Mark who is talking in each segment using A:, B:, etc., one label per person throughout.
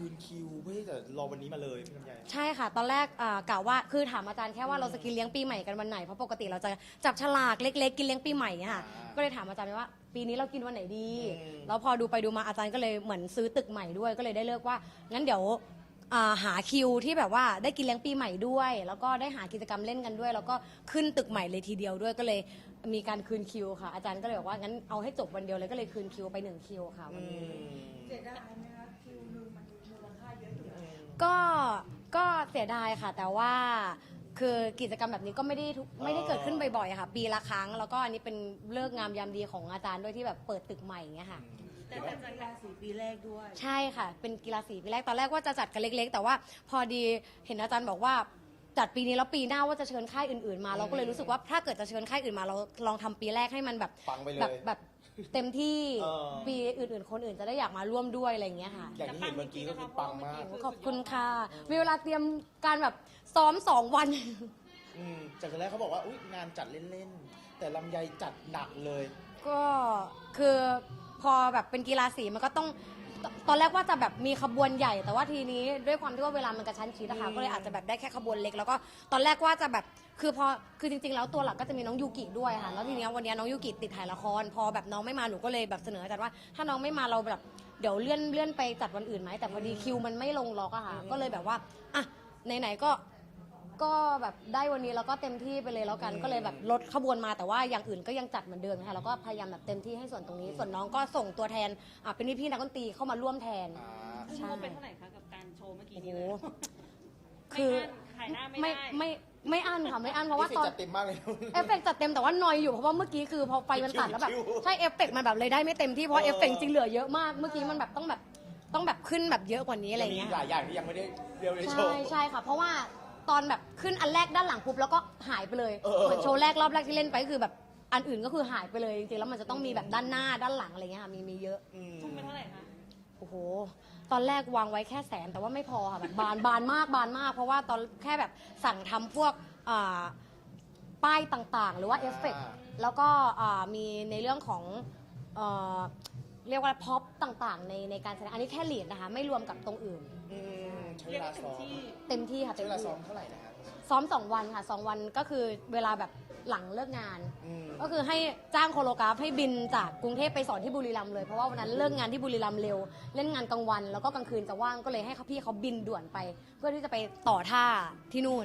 A: คืนคิวเพื่อที่จะรอวันนี้มาเลยพี่ลำไย
B: ใช่ค่ะตอนแรกกะว่าคือถามอาจารย์แค่ว่าเราจะกินเลี้ยงปีใหม่กันวันไหนเพราะปกติเราจะจับฉลากเล็กๆกินเลี้ยงปีใหม่เนี่ยค่ะก็เลยถามอาจารย์ว่าปีนี้เรากินวันไหนดีแล้วพอดูไปดูมาอาจารย์ก็เลยเหมือนซื้อตึกใหม่ด้วยก็เลยได้เลือกว่างั้นเดี๋ยวหาคิวที่แบบว่าได้กินเลี้ยงปีใหม่ด้วย แล้วก็ได้หากิจกรรมเล่นกันด้วย แล้วก็ขึ้นตึกใหม่เลยทีเดียวด้วยก็เลยมีการคืนคิวค่ะอาจารย์ก็เลยบอกว่างั้นเอาให้จบวันเดียวเลยก็เลยคืนคิวไป1คิวค่ะวันนี้
C: เสียดายไหมคะคิวหนึ่งมันมูลค่าเยอะอยู่
B: ก็เสียดายค่ะแต่ว่าคือกิจกรรมแบบนี้ก็ไม่ได้เกิดขึ้นบ่อยๆค่ะปีละครั้งแล้วก็อันนี้เป็นเลิกงามยามดีของอาจารย์ด้วยที่แบบเปิดตึกใหม่อย่างเงี้ยค่ะ
C: แต่เป็นกีฬาสีปีแรกด้วย
B: ใช่ค่ะเป็นกีฬาสีปีแรกตอนแรกว่าจะจัดกันเล็กๆแต่ว่าพอดีเห็นอาจารย์บอกว่าจัดปีนี้แล้วปีหน้าว่าจะเชิญค่ายอื่นๆมาเราก็เลยรู้สึกว่าถ้าเกิดจะเชิญค่ายอื่นมาเราลองทำปีแรกให้มันแบบ
A: ปังไปเลย
B: แบบเต็มที่ปีอื่นๆคนอื่นจะได้อยากมาร่วมด้วยอะไรอย่างเงี้ยค่ะ
A: อย่างที่เห็นเมื่อกี้ก็คือปังมาก
B: ขอบคุณค่ะมีเวลาเตรียมการแบบซ้อม2 วัน
A: จากตอนแรกเขาบอกว่าอุ๊ยงานจัดเล่นๆแต่ลำไยจัดหนักเลย
B: ก็คือพอแบบเป็นกีฬาสีมันก็ต้องตอนแรกว่าจะแบบมีขบวนใหญ่แต่ว่าทีนี้ด้วยความที่ว่าเวลามันกระชั้นชิดนะคะก็เลยอาจจะแบบได้แค่ขบวนเล็กแล้วก็ตอนแรกว่าจะแบบคือจริงๆแล้วตัวหลักก็จะมีน้องยูกิด้วยค่ะแล้วทีนี้วันนี้น้องยูกิติดถ่ายละครพอแบบน้องไม่มาหนูก็เลยแบบเสนออาจารย์ว่าถ้าน้องไม่มาเราแบบเดี๋ยวเลื่อนไปจัดวันอื่นไหมแต่พอดีคิวมันไม่ลงล็อกอะค่ะก็เลยแบบว่าอ่ะไหนๆก็แบบได้วันนี้แล้วก็เต็มที่ไปเลยแล้วกันก็เลยแบบลดขบวนมาแต่ว่าอย่างอื่นก็ยังจัดเหมือนเดิมค่ะแล้วก็พยายามแบบเต็มที่ให้ส่วนตรงนี้ส่วนน้องก็ส่งตัวแทนเป็นพี่นักดนตรีเข้ามาร่วมแทน
D: ใช่เป็นเท่าไหร่คะกับการโชว์เมื่อกี้นี้
B: คือ
D: ขายหน้าไม่ได้
B: ไม่อั้นค่ะไม่อั้นเพราะว่า
A: ตอนจัดเต็มมากเลย
B: เอฟเฟกจัดเต็มแต่ว่านอยอยู่เพราะว่าเมื่อกี้คือพอไฟมันตัดแล้วแบบใช่เอฟเฟกมันแบบเลยได้ไม่เต็มที่เพราะเอฟเฟกจริงเหลือเยอะมากเมื่อกี้มันแบบต้องแบบขึ้นแบบเยอะกว่านี้อะไรเงี้ย
A: มีหลายอย่างที่ยังไม่ได้เรียวในโชว์
B: ใช่ค่ะเพราะว่าตอนแบบขึ้นอันแรกด้านหลังปุ๊บแล้วก็หายไปเลยเหมือนโชว์แรกรอบแรกที่เล่นไปคือแบบอันอื่นก็คือหายไปเลยจริงๆแล้วมันจะต้องมีแบบด้านหน้าด้านหลังอะไรเงี้ยค่ะมีเยอะ
D: ทุ่มไปเท่าไหร่คะ
B: โอ้โหตอนแรกวางไว้แค่100,000แต่ว่าไม่พอค่ะแบบบานมากเพราะว่าตอนแค่แบบสั่งทำพวกป้ายต่างๆหรือว่าเอฟเฟกต์แล้วก็มีในเรื่องของเรียกว่าพ็อปต่างๆในการแสดงอันนี้แค่เหรียญนะคะไม่รวมกับตรงอื่น
A: ใช้เวลาซ้อม
B: เต็มที่ค่ะ
A: ใช้เวลาซ้อมเท่าไหร่นะครับ
B: ซ้อม2 วันค่ะ2 วันก็คือเวลาแบบหลังเลิกงานก็คือให้จ้างโคโรกราฟให้บินจากกรุงเทพไปสอนที่บุรีรัมย์เลยเพราะว่าวันนั้นเลิกงานที่บุรีรัมย์เร็วเล่นงานกลางวันแล้วก็กลางคืนจะว่างก็เลยให้พี่เขาบินด่วนไป เพื่อที่จะไปต่อท่าที่นู่น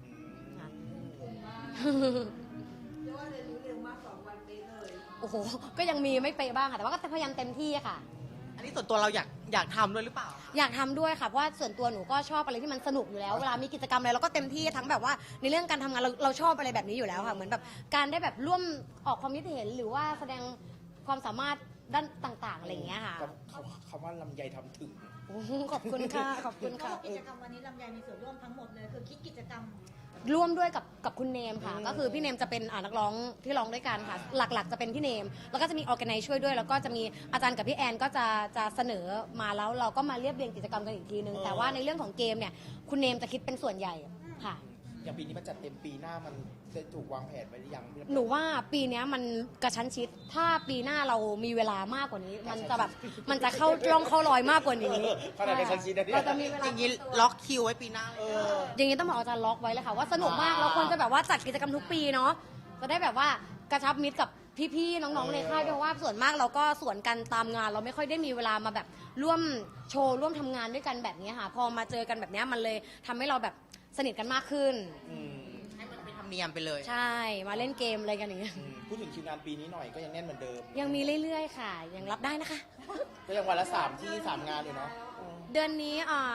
C: เรียกว่าเรียนรู้เร็วมาก2 วันเป๊ะเลย
B: โอ้โหก็ยังมีไม่เป๊ะบ้างค่ะแต่ว่าก็พยายามเต็มที่ค่ะ
E: อันนี้ส่วนตัวเราอยากทำด้วยหรือเปล่า
B: อยากทำด้วยค่ะเพราะว่าส่วนตัวหนูก็ชอบอะไรที่มันสนุกอยู่แล้วเวลามีกิจกรรมอะไรเราก็เต็มที่ทั้งแบบว่าในเรื่องการทำงานเราชอบอะไรแบบนี้อยู่แล้วค่ะเหมือนแบบการได้แบบร่วมออกความคิดเห็นหรือว่าแสดงความสามารถด้านต่างๆอะไรอย่างเงี้ยค่ะ
A: คำว่าลำไยทำถึง
B: ขอบคุณค่ะขอบคุณค่ะ
C: กิจกรรมวันนี้ลำไยมีส่วนร่วมทั้งหมดเลยคือคิดกิจกรรม
B: ร่วมด้วยกับคุณเนมค่ะก็คือพี่เนมจะเป็นนักร้องที่ร้องด้วยกันค่ะหลักๆจะเป็นพี่เนมแล้วก็จะมีออร์แกไนซ์ช่วยด้วยแล้วก็จะมีอาจารย์กับพี่แอนก็จะเสนอมาแล้วเราก็มาเรียบเรียงกิจกรรมกันอีกทีนึงแต่ว่าในเรื่องของเกมเนี่ยคุณเนมจะคิดเป็นส่วนใหญ่ค่ะ
A: อย่างปีนี้มันจัดเต็มปีหน้ามันจะถูกวางแผนไว้หรือยัง
B: หนูว่าปีนี้มันกระชั้นชิดถ้าปีหน้าเรามีเวลามากกว่านี้มันจะเข้าร่องเข้ารอยมากกว่านี้
A: ขนาดกระชั้นชิด
B: เราจะมีเวลา
E: อย่างนี้ล็อกคิวไว้ปีหน้า
B: อย่างนี้ต้องบอกอาจารย์ล็อกไว้เลยค่ะว่าสนุกมากเราควรจะแบบว่าจัดกิจกรรมทุกปีเนาะจะได้แบบว่ากระชับมิตรกับพี่ๆน้องๆในค่ายด้วยว่าส่วนมากเราก็ส่วนกันตามงานเราไม่ค่อยได้มีเวลามาแบบร่วมโชว์ร่วมทำงานด้วยกันแบบนี้ค่ะพอมาเจอกันแบบนี้มันเลยทำให้เราแบบสนิทกันมากขึ้น
E: ให้มันเป็นธรรมเนียมไปเลย
B: ใช่มาเล่นเกมอะไรกันอย่างเงี้ย
A: พูดถึงคิวงานปีนี้หน่อยก็ยังแน่นเหมือนเดิม
B: ยังมีเรื่อยๆค่ะยังรับได้นะคะ
A: ก็ยังวันละ3 งานอยู่เนาะ
B: เดือนนี้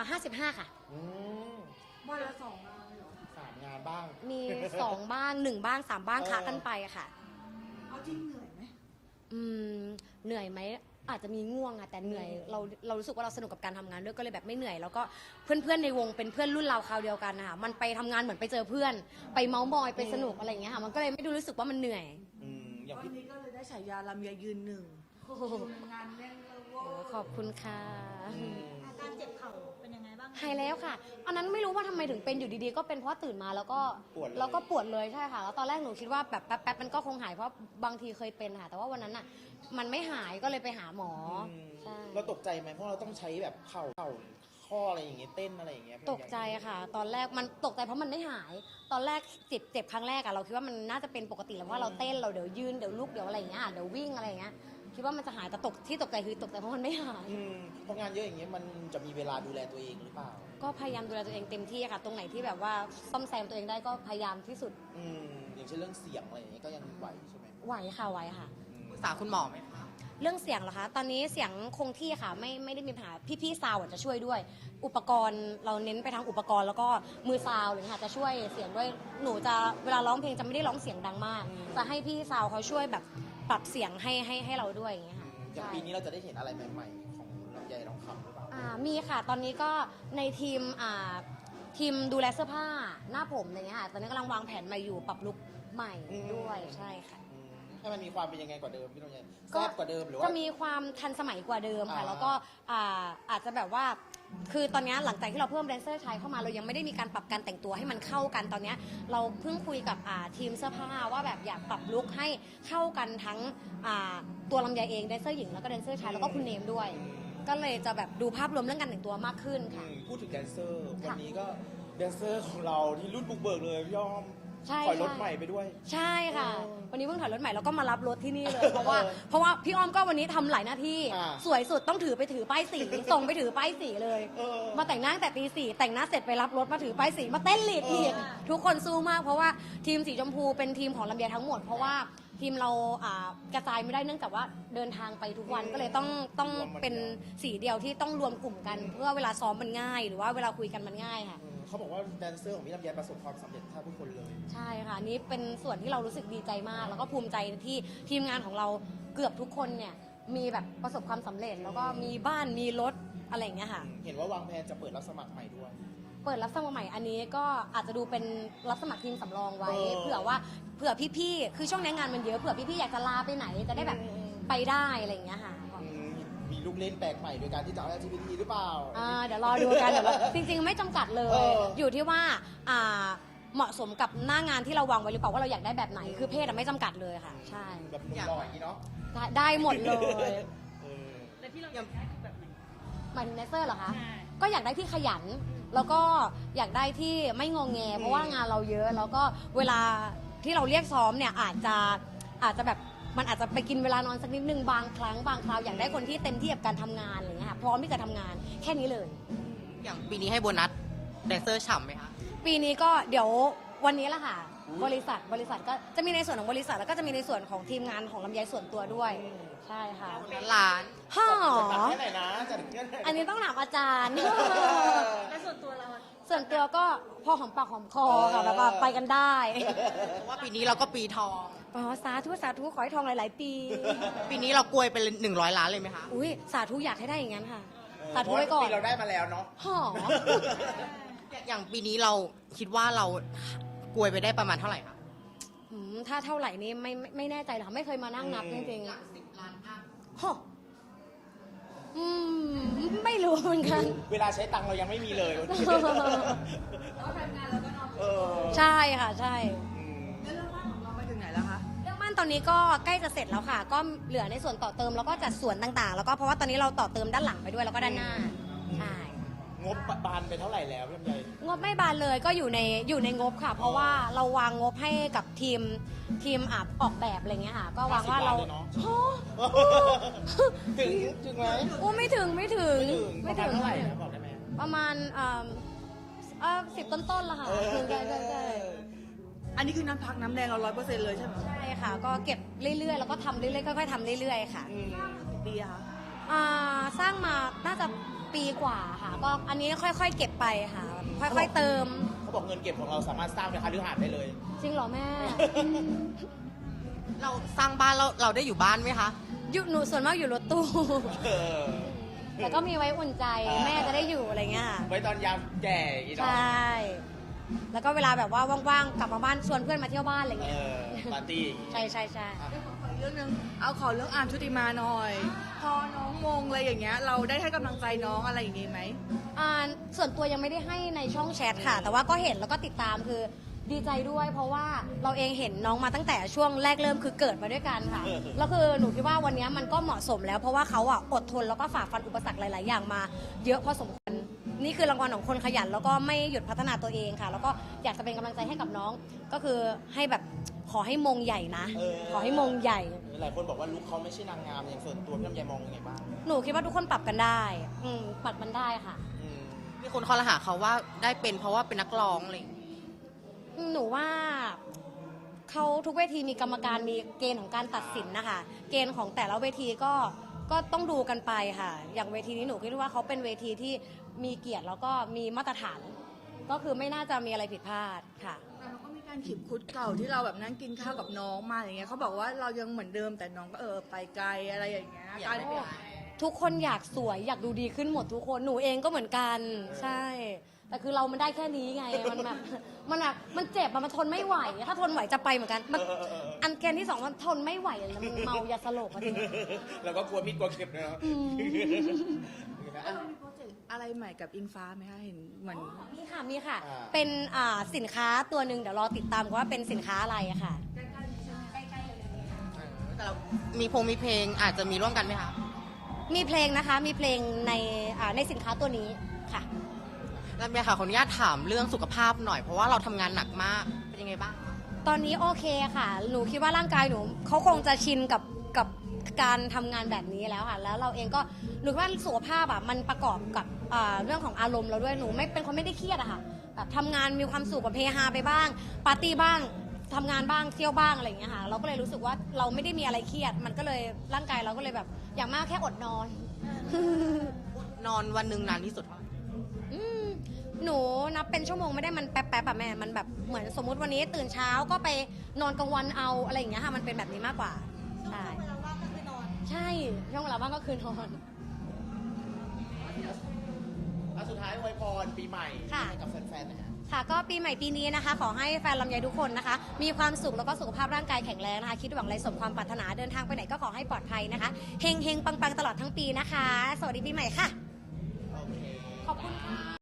B: 55ค่ะ
C: วันละ2 งานเลยเหรอ
A: 3 งานบ้าง
B: มี2 บ้าง1 บ้าง3 บ้างคะกันไปอะค่ะ
C: เอาจริงเหนื่อยไหม
B: เหนื่อยไหมอาจจะมีง่วงอะแต่เหนื่อยเรารู้สึกว่าเราสนุกกับการทำงานด้วยก็เลยแบบไม่เหนื่อยแล้วก็เพื่อนๆในวงเป็นเพื่อนรุ่นเราคราวเดียวกันนะคะมันไปทำงานเหมือนไปเจอเพื่อนไปเมาส์มอยไปสนุกอะไรอย่างเงี้ยค่ะมันก็เลยไม่ดูรู้สึกว่ามันเหนื่อย
C: วันนี้ก็เลยได้ฉายาลำไยยืนหนึ่งงานแน่นเลย
B: ขอบคุณค่ะ
C: อาการเจ็บเข่าเป็นยังไงบ้าง
B: หายแล้วค่ะอันนั้นไม่รู้ว่าทำไมถึงเป็นอยู่ดีๆก็เป็นเพราะตื่นมาแล้วก็ปวดเลยใช่ค่ะแล้วตอนแรกหนูคิดว่าแบบแป๊บมันก็คงหายเพราะบางทีเคยเป็นค่ะแต่ว่าวันนั้นอ่ะมันไม่หายก็เลยไปหาหมอ
A: เราตกใจไหมเพราะเราต้องใช้แบบเข่าข้ออะไรอย่างเงี้ยเต้นอะไรอย่างเงี้ย
B: ตกใจค่ะ ตอนแรกมันตกใจเพราะมันไม่หาย ตอนแรกเจ็บครั้งแรกอะเราคิดว่ามันน่าจะเป็นปกติแล้วเพราะว่าเราเต้นเราเดี๋ยวยืนเดี๋ยวลุกเดี๋ยวอะไรอย่างเงี้ยเดี๋ยววิ่งอะไรอย่างเงี้ยคิดว่ามันจะหายแต่ตกใจคือตกใจเพราะมันไม่หาย
A: เพราะงานเยอะอย่างเงี้ยมันจะมีเวลาดูแลตัวเองหรือเปล่า
B: ก็พยายามดูแลตัวเองเต็มที่ค่ะ ตรงไหนที่แบบว่าซ่อมแซมตัวเองได้ก็พยายามที่สุด
A: อย่างเช่นเรื่องเสียงอะไรอย่างเงี้ยก็ยังไหวใช่ไหม
B: ไหวค่ะไหวค่ะ
E: ปรึกษาคุณหมอไหมคะ
B: เรื่องเสียงเหรอคะ ตอนนี้เสียงคงที่ค่ะ ไม่ได้มีปัญหา พี่ๆซาวด์จะช่วยด้วย อุปกรณ์เราเน้นไปทางอุปกรณ์แล้วก็มือซาวด์เลยค่ะจะช่วยเสียงด้วย หนูจะเวลาร้องเพลงจะไม่ได้ร้องเสียงดังมาก จะให้พี่ซาวด์เขาช่วยแบบปรับเสียงให้เราด้วยอย่างเงี้ยค่ะ
A: อย่างปีนี้เราจะได้เห็นอะไรใหม่ๆของลำไยทองคำหรือเปล่า
B: มีค่ะ ตอนนี้ก็ในทีมดูแลเสื้อผ้าหน้าผมอะไรเงี้ยค่ะ ตอนนี้กำลังวางแผนใหม่อยู่ปรับลุคใหม่ด้วยใช่ค่ะ
A: ให้มันมีความเป็นยังไงกว่าเดิมพี่ลำไย
B: ก็
A: แซ่บกว่าเดิมหรือว่า
B: จะมีความทันสมัยกว่าเดิมค่ะ แล้วก็อาจจะแบบว่าคือตอนนี้หลังจากที่เราเพิ่มแดนเซอร์ชายเข้ามาเรายังไม่ได้มีการปรับการแต่งตัวให้มันเข้ากันตอนนี้เราเพิ่งคุยกับทีมเสื้อผ้าว่าแบบอยากปรับลุคให้เข้ากันทั้งตัวลำไยเองแดนเซอร์หญิงแล้วก็แดนเซอร์ชายแล้วก็คุณเนมด้วย ก็เลยจะแบบดูภาพรวมเรื่องการแต่งตัวมากขึ้นค่ะ
A: พูดถึงแดนเซอร์วันนี้ก็แดนเซอร์ของเราที่รุ่นบุกเบิกเลยพี่อ้อม
B: ใช่
A: ถอยรถใหม่ไปด้วย
B: ใช่ค่ะ
A: เออ
B: วันนี้เพิ่งถอยรถใหม่แล้วก็มารับรถที่นี่เลย เพราะว่าพี่อ้อมก็วันนี้ทำหลายหน้าที่ สวยสุดต้องถือป้ายสี ส่งไปถือป้ายสีเลย มาแต่งหน้าตั้งแต่ตี 4แต่งหน้าเสร็จไปรับรถมาถือป้ายสีมาเต้นลีดอีกทุกคนสู้มากเพราะว่าทีมสีชมพูเป็นทีมของลำไยทั้งหมด เพราะว่าทีมเรากระจายไม่ได้เนื่องจากว่าเดินทางไปทุกวันก็เลยต้องเป็นสีเดียวที่ต้องรวมกลุ่มกัน เพื่อเวลาซ้อมมันง่าย หรือว่าเวลาคุยกันมันง่ายค่ะ
A: เขาบอกว่าแดนเซอร์ของพี่ลำไยประสบความสำเร็จแทบทุกคนเลย
B: ใช่ค่ะนี่เป็นส่วนที่เรารู้สึกดีใจมาก แล้วก็ภูมิใจที่ทีมงานของเราเกือบทุกคนเนี่ยมีแบบประสบความสำเร็จ แล้วก็มีบ้านมีรถอะไรอย่างเงี้ยค่ะ
A: เห็นว่าวางแผนจะเปิดรับสมัครใหม่ด้วย
B: เปิดรับสมัครใหม่อันนี้ก็อาจจะดูเป็นรับสมัครทีมสำรองไว้ เผื่อพี่ๆคือช่วงนี้งานมันเยอะเผื่อพี่ๆอยากจะลาไปไหนจะได้แบบไปได้อะไรอย่างเงี้ยค่ะ
A: มีลูกเล่นแปลกใหม่โดยการที่จะเอา LGBT หรือเปล่า
B: เดี๋ยวรอดูกันจริงๆไม่จำกัดเลย อยู่ที่ว่าเหมาะสมกับหน้างานที่เราวางไว้หรือเปล่าว่าเราอยากได้แบบไหนคือเพศไม่จำกัดเลยค่ะ ใช่
A: แบบหนุ่มหล่ออย่างนี้เนาะ
B: ได้หมดเลย
D: แล้วที่เราอยากได้คือแบบไหน
B: หมายถึงแดนเซอร์เหรอคะ
D: ใช่
B: ก็อยากได้ที่ขยัน แล้วก็อยากได้ที่ไม่งงแง เพราะว่างานเราเยอะ แล้วก็เวลาที่เราเรียกซ้อมเนี่ยอาจจะแบบมันอาจจะไปกินเวลานอนสักนิดนึงบางครั้งบางคราวอยากได้คนที่เต็มที่กับการทำงานอะไรเงี้ยค่ะพร้อมที่จะทำงานแค่นี้เลย
E: อย่างปีนี้ให้โบนัสแดนเซอร์ฉ่ำไหมคะ
B: ปีนี้ก็เดี๋ยววันนี้แหละค่ะ บริษัทก็จะมีในส่วนของบริษัทแล้วก็จะมีในส่วนของทีมงานของลำไยส่วนตัวด้วย ใช่ค่ะ
E: ล้าน
B: ฮ่อ
A: จัดแค่ไหนนะจัดแค่ไหน
B: อันนี้ต้องถามอาจารย์
D: แล้วส่วนตัวเราอะ
B: ส่วนตัวก็พอหอมปากหอมคอค่ะแบบว่าไปกันได้
E: เพราะว่าปีนี้เราก็ปีทอง
B: อ๋อสาธุขอให้ทองหลาย ๆ ปี
E: ปีนี้เรากลวยเป็น100 ล้านเลยไหมคะ
B: อุ้ยสาธุอยากให้ได้อย่างนั้นค่ะ สาธุไว้ก่อน
A: ปีเราได้มาแล้วเนาะ
B: หอ
E: อย่างปีนี้เราคิดว่าเรากลวยไปได้ประมาณเท่าไหร่คะ
B: ถ้าเท่าไหร่นี้ไม่แน่ใจหรอกค่ะไม่เคยมานั่งนับจริง
E: 10 ล้านอัพ
B: ๆหอไม่รู้เหมือนกัน
A: เวลาใช้ตังค์เรายังไม่มีเลย
C: เราทำงานเราก็นอน
A: เออ
B: ใช่ค่ะใช่
C: แล้วเรื่องบ้านของเราไปถึงไหนแล้วคะ
B: เรื่องบ้านตอนนี้ก็ใกล้จะเสร็จแล้วค่ะ ก็เหลือในส่วนต่อเติมแล้วก็จัดส่วนต่างๆ แล้วก็เพราะว่าตอนนี้เราต่อเติมด้านหลังไปด้วยแล้วก็ด้านหน้าใช่
A: งบบานไปเท่าไหร่แล้วพี่ลำไย
B: งบไม่บานเลยก็อยู่ในงบค่ะ เพราะว่าเราวางงบให้กับทีมออกแบบอะไรเงี้ยค่ะ ก็วางว่าเรา
A: 50 ล้นลยเนาะ
B: โอ้
A: ถึงไหม
B: โอ้ไม่ถึง
A: ประมาณเท่าไหร่นะบอกได้ไหม
B: ประมาณ10 ต้นๆละค่ะ
A: เออ
B: ใช่
C: อันนี้คือน้ำพักน้ำแดงเรา100%เลยใช่ไหม
B: ใช่ค่ะ ก็เก็บเรื่อยๆแล้วก็ทำเรื่อยๆค่อยๆทำเรื่อยๆค่ะ
C: กี่ปีอะคะ
B: สร้างมาน่าจะปีกว่าค่ะ ก็อันนี้ค่อยๆเก็บไปค่ะ ค่อยๆเติม
A: เขาบอกเงินเก็บของเราสามารถสร้างเป็นคฤหาสน์ได้เลย
B: จริงเหรอแม่
E: เราสร้างบ้านเราได้อยู่บ้านไหมคะ
B: อยู่หนูส่วนมากอยู่รถตู้
A: เออ
B: แต่ก็มีไว้อุ่นใจแม่จะได้อยู่อะไรเงี้ยค่ะ
A: ไว้ตอนยามแก่อย่างงี้
B: ใช
A: เนาะ
B: ่ แล้วก็เวลาแบบว่าว่างๆกลับมาบ้านชวนเพื่อนมาเที่ยวบ้านอะไร
A: เอ
B: เงี้ย
A: อปาร์ตี้อย่างงี้
B: ใช่ใช่ใช่
C: ขออีกเรื่องหนึงเอาขอเรื่องอาร์มชุติมาหน่อย พอน้องมงอะไรอย่างเงี้ยเราได้ให้กำลังใจน้องอะไรอย่างงี้ไหม
B: ส่วนตัวยังไม่ได้ให้ในช่องแชทค่ะ แต่ว่าก็เห็นแล้วก็ติดตามคือดีใจด้วย เพราะว่าเราเองเห็นน้องมาตั้งแต่ช่วงแรกเริ่มคือเกิดมาด้วยกันค่ะ แล้วคือหนูคิดว่าวันนี้มันก็เหมาะสมแล้ว เพราะว่าเขาอดทนแล้วก็ฝ่าฟันอุปสรรคหลาย ๆ อย่างมา เยอะพอสมควรนี่คือรางวัลของคนขยันแล้วก็ไม่หยุดพัฒนาตัวเองค่ะ แล้วก็อยากจะเป็นกำลังใจให้กับน้อง ก็คือให้แบบขอให้มงใหญ่นะ ขอให้มงใหญ่
A: หลายคนบอกว่าลุคเขาไม่ใช่นางงามอย่างส่วนตัวพี่ลำไยมองยังไงบ้าง
B: หนูคิดว่าทุกคนปรับกันได้ ปรับมันได้ค่ะ
A: อืม
E: มีคนคอรหาเขาว่าได้เป็นเพราะว่าเป็นนักร้องอะไรอย่างเงี้ย
B: หนูว่าเขาทุกเวทีมีกรรมการมีเกณฑ์ของการตัดสินนะคะ เกณฑ์ของแต่ละเวทีก็ต้องดูกันไปค่ะ อย่างเวทีนี้หนูคิดว่าเขาเป็นเวทีที่มีเกียรติแล้วก็มีมาตรฐาน ก็คือไม่น่าจะมีอะไรผิดพลาดค่ะ
C: แต่เราก็มีการขีบคุดเก่าที่เราแบบนั่งกินข้าวกับน้องมาอย่างเงี้ยเขาบอกว่าเรายังเหมือนเดิมแต่น้องก็ไปไกลอะไรอย่างเงี้ย
E: อยากได้เป็น
B: ทุกคนอยากสวยอยากดูดีขึ้นหมดทุกคนหนูเองก็เหมือนกันใช่ แต่คือเรามันได้แค่นี้ไงมันแบบมันเจ็บอะมันทนไม่ไหว ถ้าทนไหวจะไปเหมือนกันมันอันเกณฑ์ที่สองมันทนไม่ไหวแล้วมันเมายาสลบอะทีนี้
A: แล้วก็กลัวมีดกลัวเข็มนะ
C: เรามีโปรเจกต์อะไรใหม่กับอิงฟ้าไหมคะเห็นเหมือน
B: มีค่ะ เป็นสินค้าตัวหนึ่งเดี๋ยวรอติดตามว่าเป็นสินค้าอะไรอะค่ะ
E: แต่เรามีเพลงอาจจะมีร่วมกันไหมคะ
B: มีเพลงนะคะ มีเพลงในสินค้าตัวนี้ค่ะ
E: แล้วเมียค่ะขออนุญาตถามเรื่องสุขภาพหน่อยเพราะว่าเราทำงานหนักมากเป็นยังไงบ้าง
B: ตอนนี้โอเคค่ะ หนูคิดว่าร่างกายหนูเขาคงจะชินกับการทำงานแบบนี้แล้วค่ะ แล้วเราเองก็หนูว่าสุขภาพอ่ะมันประกอบกับเรื่องของอารมณ์เราด้วย หนูไม่เป็นคนไม่ได้เครียดอะค่ะ แบบทำงานมีความสุขแบบเฮฮาไปบ้าง ปาร์ตี้บ้างทำงานบ้างเที่ยวบ้างอะไรอย่างเงี้ยค่ะ เราก็เลยรู้สึกว่าเราไม่ได้มีอะไรเครียด มันก็เลยร่างกายเราก็เลยแบบอย่างมากแค่อดนอน
E: นอนวันหนึ่งนานที่สุดเท่าไหร่
B: หนูนับเป็นชั่วโมงไม่ได้มันแป๊บๆอะแม่ มันแบบเหมือนสมมุติวันนี้ตื่นเช้าก็ไปนอนกลางวันเอาอะไรอย่างเงี้ยค่ะ มันเป็นแบบนี้มากกว่า ใช่
D: เวลาว่างก็คือนอน
B: ใช่ ช่วงเวลาว่างก็คือนอน
A: สุดท้ายอวยพรปีใหม่
B: ค่ะ
A: ให้กับแฟนๆนะฮะ
B: ค่ะ ก็ปีใหม่ปีนี้นะคะ ขอให้แฟนลำไยทุกคนนะคะ มีความสุขแล้วก็สุขภาพร่างกายแข็งแรงนะคะ คิดหวังอะไรสมความปรารถนา เดินทางไปไหนก็ขอให้ปลอดภัยนะคะ เฮงๆ ปังๆ ตลอดทั้งปีนะคะ สวัสดีปีใหม่ค่ะ
A: โอเค
B: ขอบคุณค่ะ